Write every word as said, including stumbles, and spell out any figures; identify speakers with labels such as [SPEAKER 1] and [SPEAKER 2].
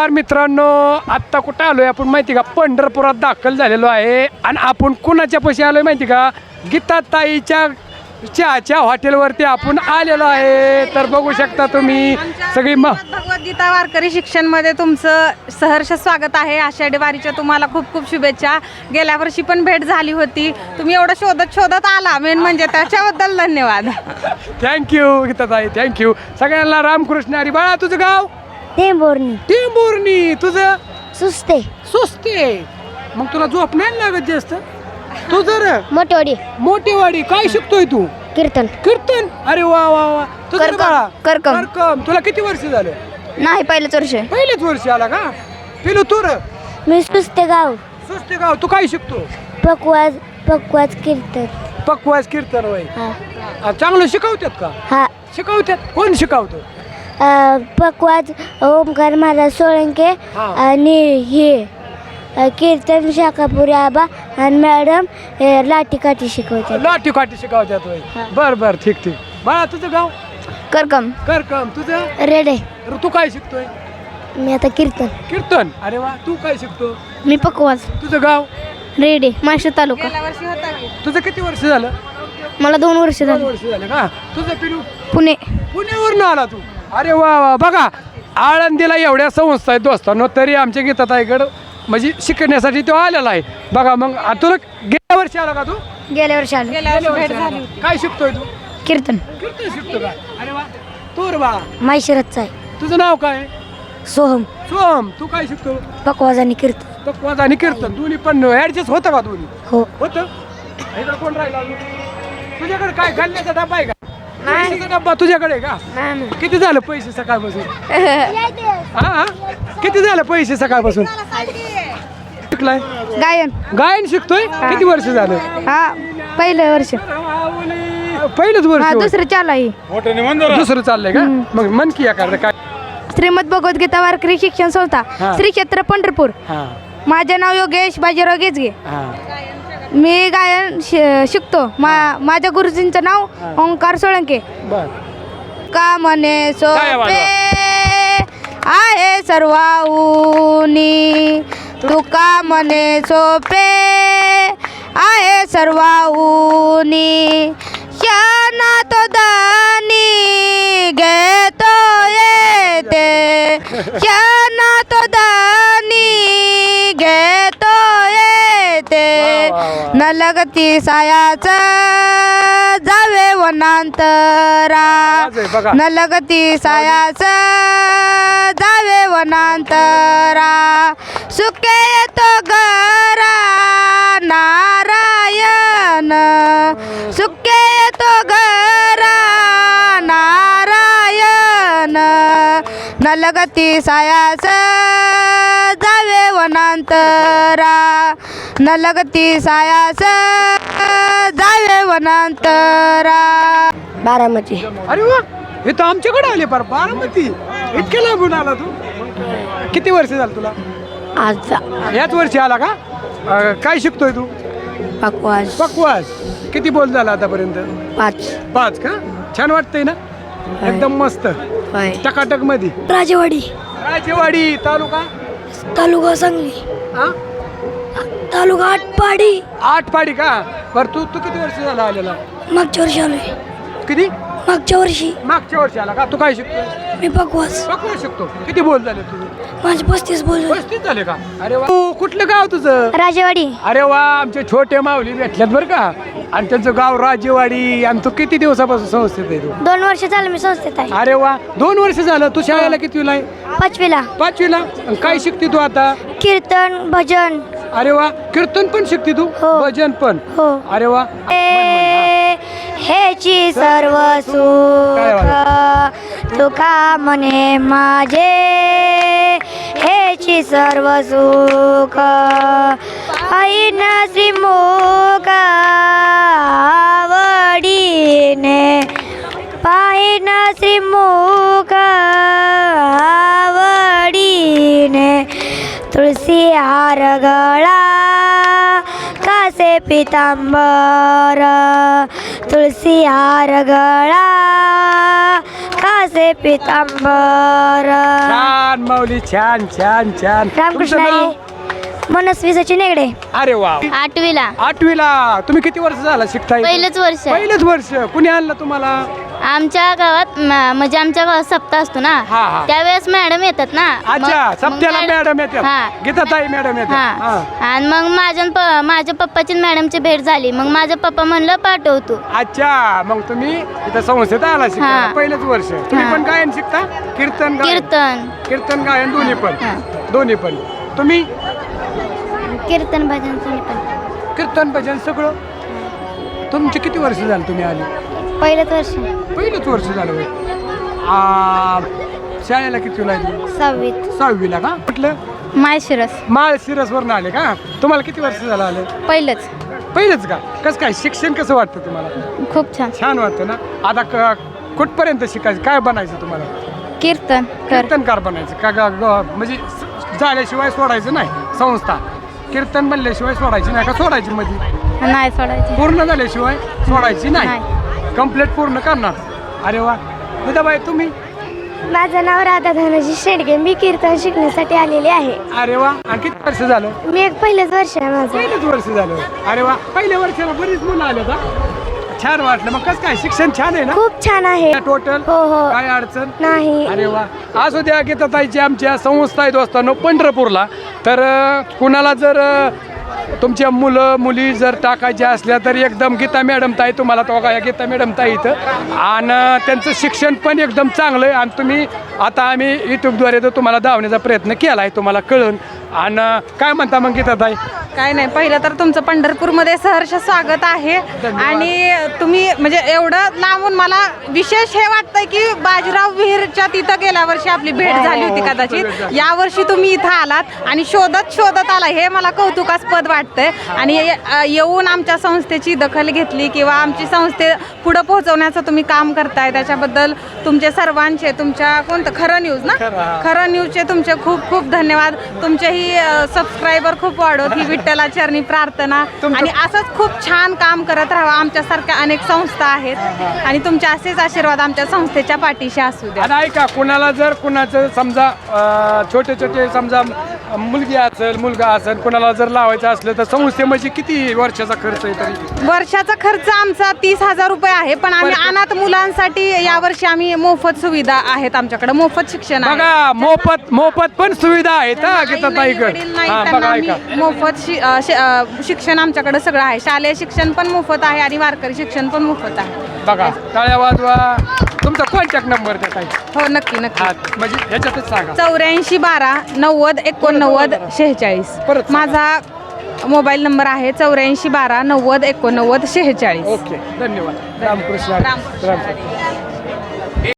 [SPEAKER 1] नमस्कार मित्रांनो, आत्ता कुठं आलोय आपण माहिती का? पंढरपुरात दाखल झालेलो आहे आणि आपण कुणाच्या पैसे आलोय माहिती का? गीताताईच्या चहाच्या हॉटेलवरती आपण आलेलो आहे. तर बघू शकता तुम्ही सगळी म
[SPEAKER 2] भगवद्गीता वारकरी शिक्षण मध्ये तुमचं सहर्ष स्वागत आहे. आषाढी वारीच्या तुम्हाला खूप खूप शुभेच्छा. गेल्या वर्षी पण भेट झाली होती, तुम्ही एवढं शोधत शोधत आला, मेन म्हणजे त्याच्याबद्दल धन्यवाद.
[SPEAKER 1] Thank you Geetatai, thank you. सगळ्यांना रामकृष्ण हरी. बाळा तुझं गाव?
[SPEAKER 3] टेंभुर्णी.
[SPEAKER 1] टेंभुर्णी. तुझं?
[SPEAKER 3] सुस्ते.
[SPEAKER 1] सुस्ते. मग तुला झोप नाही लागत जास्त? तू जर
[SPEAKER 3] मोठेवाडी.
[SPEAKER 1] मोठेवाडी. काय शिकतोय तू?
[SPEAKER 3] कीर्तन.
[SPEAKER 1] कीर्तन. अरे वा वा वा. तुझं
[SPEAKER 3] करकम.
[SPEAKER 1] बाळा?
[SPEAKER 3] करकम.
[SPEAKER 1] करकम. तुला किती वर्ष झालं?
[SPEAKER 3] नाही, पहिलेच वर्ष.
[SPEAKER 1] पहिलेच वर्ष आला का? पिलू तू र?
[SPEAKER 3] मी सुस्ते गाव.
[SPEAKER 1] सुस्ते गाव. तू काय शिकतो?
[SPEAKER 3] पकवाज पकवाज कीर्तन.
[SPEAKER 1] पकवास कीर्तन वय.
[SPEAKER 3] हा
[SPEAKER 1] चांगलं शिकवतात का?
[SPEAKER 3] हा.
[SPEAKER 1] शिकवतात. कोण शिकवतो?
[SPEAKER 3] अ, पकवाज ओमकार महाराज सोळंके
[SPEAKER 1] हा.
[SPEAKER 3] आणि हे अ, कीर्तन शाखापुरी आबा आणि मॅडम हे लाठी शिकवतात.
[SPEAKER 1] लाठी काठी शिकवतात वय.
[SPEAKER 3] हा.
[SPEAKER 1] बर बर, ठीक ठीक. बाळा तुझं गाव?
[SPEAKER 3] करकम.
[SPEAKER 1] करकम. तुझं?
[SPEAKER 3] रेडे.
[SPEAKER 1] र तू काय शिकतोय?
[SPEAKER 3] मी आता कीर्तन.
[SPEAKER 1] कीर्तन. अरे वा. तू काय शिकतो?
[SPEAKER 3] मी पकवाज.
[SPEAKER 1] तुझं गाव?
[SPEAKER 3] रेडे, माशा तालुका.
[SPEAKER 2] गेल्या वर्षी होता की?
[SPEAKER 1] तुझं किती वर्ष झालं?
[SPEAKER 3] मला दोन वर्ष
[SPEAKER 1] दोन वर्ष झाले का? तुझं पिलू?
[SPEAKER 3] पुणे.
[SPEAKER 1] पुण्यावरून आला तू? अरे वा वा. बघा, आळंदीला एवढ्या संस्था आहेत दोस्तांनो, तरी आमच्या गीताताईकडं म्हणजे शिकण्यासाठी तो आलेला आहे. बघा मग आ- तुला गेल्या वर्षी आला का तू?
[SPEAKER 3] गेल्या वर्षी आलो.
[SPEAKER 2] गेल्या वर्षी भेट झाली होती.
[SPEAKER 1] काय शिकतोय तू?
[SPEAKER 3] कीर्तन.
[SPEAKER 1] कीर्तन शिकतो का? अरे वा. तू रे बाळा,
[SPEAKER 3] माहिशिरतचा आहे.
[SPEAKER 1] तुझं नाव काय?
[SPEAKER 3] सोहम.
[SPEAKER 1] सोम. तू काय शिकतो?
[SPEAKER 3] पकवाज आणि कीर्तन.
[SPEAKER 1] पकवाज आणि कीर्तन दोन्ही पण ऍडजस्ट होतं का? दोन्ही
[SPEAKER 3] हो.
[SPEAKER 1] होतं. इकडे कोण राहिला अजून? तुझ्याकडे काय घालण्याचा डब्बा आहे का? पैशाचा डब्बा तुझ्याकडे आहे का? किती झालं पैसे सकाळपासून? हा हा. किती झालं पैसे सकाळपासून? शिकलाय?
[SPEAKER 3] गायन.
[SPEAKER 1] गायन शिकतोय? किती वर्ष झालं?
[SPEAKER 3] हा, पहिलं वर्ष.
[SPEAKER 1] पहिलंच वर्ष
[SPEAKER 3] हा,
[SPEAKER 1] होय.
[SPEAKER 3] दुसरं चालू आहे.
[SPEAKER 1] दुसरं चाललंय का? मग मन की एखादं काय?
[SPEAKER 3] श्रीमद भगवद्गीता वारकरी शिक्षण संस्था,
[SPEAKER 1] हा.
[SPEAKER 3] श्री क्षेत्र पंढरपूर.
[SPEAKER 1] हा
[SPEAKER 3] माझे नाव योगेश बाजीराव गेजगे.
[SPEAKER 1] हा.
[SPEAKER 3] मी गायन शि- शिकतो. मा माझ्या गुरुजींचं नाव ओंकार सोळंके.
[SPEAKER 1] बर.
[SPEAKER 3] का म्हणे
[SPEAKER 1] काय आवाज?
[SPEAKER 3] सोपे आहे सर्वाऊनी, तुका म्हणे सोपे आहे सर्वाऊनी, शाना तो दानी घेतो येते, शाना तो दानी घेतो येते,
[SPEAKER 1] वा, वा, वा.
[SPEAKER 3] न लगती सायाच जावे वनांतरा,
[SPEAKER 1] आवाज आहे बघा.
[SPEAKER 3] न लगती सायाच जावे वनांतरा, सुखे येतो घरा नारायण, सुखे येतो घरा नारायण, न लगती सायास जावे वनांतरा, न लगती सायास जावे वनांतरा. बारामती.
[SPEAKER 1] अरे वा. हे तर आमच्याकडे आले पार बारामती. इतक्या लांबून आला तू? किती वर्ष झालं तुला?
[SPEAKER 3] आज
[SPEAKER 1] याच वर्षी आला का? अं, काय शिकतोय तू?
[SPEAKER 3] पकवाज.
[SPEAKER 1] पकवास. किती बोल झाला आतापर्यंत?
[SPEAKER 3] पाच.
[SPEAKER 1] पाच का? छान वाटतंय ना? एकदम मस्त टकाटक मध्ये.
[SPEAKER 3] राजेवाडी.
[SPEAKER 1] राजेवाडी तालुका?
[SPEAKER 3] तालुका सांगली.
[SPEAKER 1] हा?
[SPEAKER 3] तालुका आटपाडी.
[SPEAKER 1] आठ पाडी का? बरं तू तू किती वर्ष झाला आलेला?
[SPEAKER 3] मागच्या वर्षी आलोय.
[SPEAKER 1] किती?
[SPEAKER 3] मागच्या वर्षी.
[SPEAKER 1] मागच्या वर्षी आला का? तू काय शिकतोय?
[SPEAKER 3] मी पकवाज.
[SPEAKER 1] पकवास शिकतो. किती बोल झाले तुझे?
[SPEAKER 3] माझे पस्तीस बोल.
[SPEAKER 1] पस्तीस झाले का? अरे वा. तू कुठलं गाव तुझं?
[SPEAKER 3] राजेवाडी.
[SPEAKER 1] अरे वा. आमचे छोटे माऊली भेटल्यात बरं का. आणि त्यांचं गाव राजेवाडी. आणि तू किती दिवसापासून संस्थेत आहे तू?
[SPEAKER 3] दोन वर्ष झालं मी संस्थेत आहे.
[SPEAKER 1] अरे वा. दोन वर्ष झालं. तू शाळेला कितवीला आहे?
[SPEAKER 3] पाचवीला.
[SPEAKER 1] पाचवीला. आणि काय शिकते तू आता?
[SPEAKER 3] कीर्तन भजन.
[SPEAKER 1] अरे वा. कीर्तन पण शिकते तू?
[SPEAKER 3] हो.
[SPEAKER 1] भजन पण?
[SPEAKER 3] हो.
[SPEAKER 1] अरे वा.
[SPEAKER 3] हेची सर्व सुख तुका म्हणे माझे, हेची सर्व सुख ऐन श्रीमुख आवडीने, पाहिन श्रीमुख आवडीने, तुळसी हार गळा कासे पितांबर, तुळसी हार गळा कासे तुळजाचे पितांबर.
[SPEAKER 1] छान माऊली, छान छान छान.
[SPEAKER 3] रामकृष्ण
[SPEAKER 1] तुमचं नाव?
[SPEAKER 3] हरी. मनस्वी सचिन हेगडे.
[SPEAKER 1] अरे वा.
[SPEAKER 4] आठवीला
[SPEAKER 1] आठवीला. तुम्ही किती वर्ष झाला शिकताय?
[SPEAKER 4] पहिलंच वर्ष आहे.
[SPEAKER 1] पहिलंच वर्ष. कुणी आणलं तुम्हाला?
[SPEAKER 4] आमच्या गावात म- म्हणजे आमच्या गावात सप्ताह असतो ना,
[SPEAKER 1] हा, हा.
[SPEAKER 4] त्यावेळेस मॅडम येतात ना.
[SPEAKER 1] अच्छा,
[SPEAKER 4] मग-
[SPEAKER 1] सप्त्याला
[SPEAKER 4] मग
[SPEAKER 1] मॅडम येतात.
[SPEAKER 4] हा.
[SPEAKER 1] गीताताई मॅडम येतात.
[SPEAKER 4] हा.
[SPEAKER 1] हा.
[SPEAKER 4] आणि मग माझ्या न प- माझ्या पप्पाची न मॅडमची भेट झाली. मग माझा पप्पा म्हणलं पाठवतो.
[SPEAKER 1] अच्छा, मग तुम्ही इथं संस्थेत आला शिकायला.
[SPEAKER 4] हा.
[SPEAKER 1] पहिलंच वर्ष. तुम्ही
[SPEAKER 4] हा.
[SPEAKER 1] पण गायन शिकता? कीर्तन गायन?
[SPEAKER 4] कीर्तन
[SPEAKER 1] कीर्तन गायन दोन्ही पण.
[SPEAKER 4] हा.
[SPEAKER 1] दोन्ही पण. तुम्ही
[SPEAKER 3] कीर्तन भजन
[SPEAKER 1] कीर्तन भजन सगळं. तुमचे किती वर्ष झालं तुम्ही आले?
[SPEAKER 3] पहिलंच वर्ष.
[SPEAKER 1] पहिलंच वर्ष झालं होय. आ, शाळेला किती लागली?
[SPEAKER 3] सहावीत.
[SPEAKER 1] सहावीला का? म्हटलं
[SPEAKER 2] माळशिरस.
[SPEAKER 1] माळशिरसवरनं आले का? तुम्हाला किती वर्ष झालं आले?
[SPEAKER 2] पहिलंच.
[SPEAKER 1] पहिलंच का? कसं काय शिक्षण कसं वाटतं तुम्हाला?
[SPEAKER 2] खूप छान.
[SPEAKER 1] छान वाटतं ना. आता क- कुठपर्यंत शिकायचं? काय बनायचं तुम्हाला?
[SPEAKER 2] कीर्तन
[SPEAKER 1] कीर्तनकार बनायचं का? ग- ग- म्हणजे स- झाल्याशिवाय सोडायचं नाही. संस्था कीर्तन बनल्याशिवाय सोडायची नाही का? सोडायची मध्ये
[SPEAKER 2] नाही सोडायची.
[SPEAKER 1] पूर्ण झाल्याशिवाय सोडायची नाही. कंप्लीट पूर्ण करणार. अरे वा. विधाबाई तुम्ही?
[SPEAKER 3] माझं नाव राधा धनजी शेडगे. मी कीर्तन शिकण्यासाठी आलेले आहे.
[SPEAKER 1] अरे वा. आणि किती वर्ष झालं?
[SPEAKER 3] मी एक पहिलंच वर्ष आहे माझं.
[SPEAKER 1] पहिलंच वर्ष झालं. अरे वा. पहिल्या वर्षाला बरीच मुलं आले का? छान वाटलं. मग कसं काय शिक्षण छान आहे ना?
[SPEAKER 3] खूप छान आहे.
[SPEAKER 1] टोटल
[SPEAKER 3] हो हो.
[SPEAKER 1] काय अडचण
[SPEAKER 3] नाही.
[SPEAKER 1] अरे वा. असू द्या. गीताताईची आमच्या संस्था आहे दोस्तांनो पंढरपूरला. तर अ, कुणाला जर अ, तुमच्या मुलं मुली जर टाकायच्या असल्या तर एकदम गीता मॅडम ताई तुम्हाला तो काय गीता मॅडम ताई इथं. आणि त्यांचं शिक्षण पण एकदम चांगलं आहे. आणि तुम्ही आता आम्ही यूट्यूबद्वारे तर तुम्हाला धावण्याचा प्रयत्न केला आहे, तुम्हाला कळून. आणि काय म्हणता मग गीता ताई?
[SPEAKER 2] काय नाही, पहिलं तर तुमचं पंढरपूरमध्ये सहर्ष स्वागत आहे. आणि तुम्ही म्हणजे एवढं लांबून मला विशेष हे वाटतंय की बाजीराव विहीरच्या तिथं गेल्या वर्षी आपली भेट झाली होती कदाचित. यावर्षी तुम्ही इथं आलात आणि शोधत शोधत आला, हे मला कौतुकास्पद वाटतंय. आणि ये- येऊन आमच्या संस्थेची दखल घेतली किंवा आमची संस्थे पुढं पोहोचवण्याचं तुम्ही काम करताय, त्याच्याबद्दल तुमचे सर्वांचे, तुमच्या कोणतं खरं न्यूज ना, खरं न्यूजचे तुमचे खूप खूप धन्यवाद. तुमचेही सबस्क्रायबर खूप वाढवत ही विठ्ठला चरणी प्रार्थना. आणि असंच खूप छान काम करत राहावं. आमच्यासारख्या अनेक संस्था आहेत आणि तुमचे असेच आशीर्वाद आमच्या संस्थेच्या पाठीशी असू द्या.
[SPEAKER 1] आणि ऐका, कुणाला जर कुणाचं समजा अ, छोटे छोटे समजा मुलगी असेल मुलगा असेल कुणाला जर लावायचं असलं तर संस्थेमध्ये किती वर्षाचा खर्च आहे तरी?
[SPEAKER 2] वर्षाचा खर्च आमचा तीस हजार रुपये आहे. पण आम्ही अनाथ मुलांसाठी यावर्षी आम्ही मोफत सुविधा आहेत आमच्याकडे, मोफत शिक्षण आहे.
[SPEAKER 1] बघा, मोफत मोफत पण सुविधा आहेत हा
[SPEAKER 2] आई
[SPEAKER 1] गीताताईकडे.
[SPEAKER 2] नाही, वडील नाही,
[SPEAKER 1] हा
[SPEAKER 2] त्यांना
[SPEAKER 1] बघा
[SPEAKER 2] आम्ही
[SPEAKER 1] ऐका.
[SPEAKER 2] मोफत शि- अ, शि- अ, शिक्षण आमच्याकडे सगळं आहे. शालेय शिक्षण पण मोफत आहे आणि वारकरी शिक्षण पण मोफत आहे.
[SPEAKER 1] बघा, टाळ्या वाजवा. तुमचा कॉन्टॅक्ट नंबर द्या ताई.
[SPEAKER 2] हो नक्की नक्की.
[SPEAKER 1] हा म्हणजे ह्याच्यातच सांगा.
[SPEAKER 2] चौऱ्याऐंशी बारा नव्वद एकोणनव्वद शेहेचाळीस
[SPEAKER 1] परत सांगा.
[SPEAKER 2] माझा मोबाईल नंबर आहे चौऱ्याऐंशी बारा नव्वद एकोणनव्वद शेहेचाळीस.
[SPEAKER 1] ओके, धन्यवाद. रामकृष्ण हरी.
[SPEAKER 2] रामकृष्ण
[SPEAKER 1] रामकृष्ण.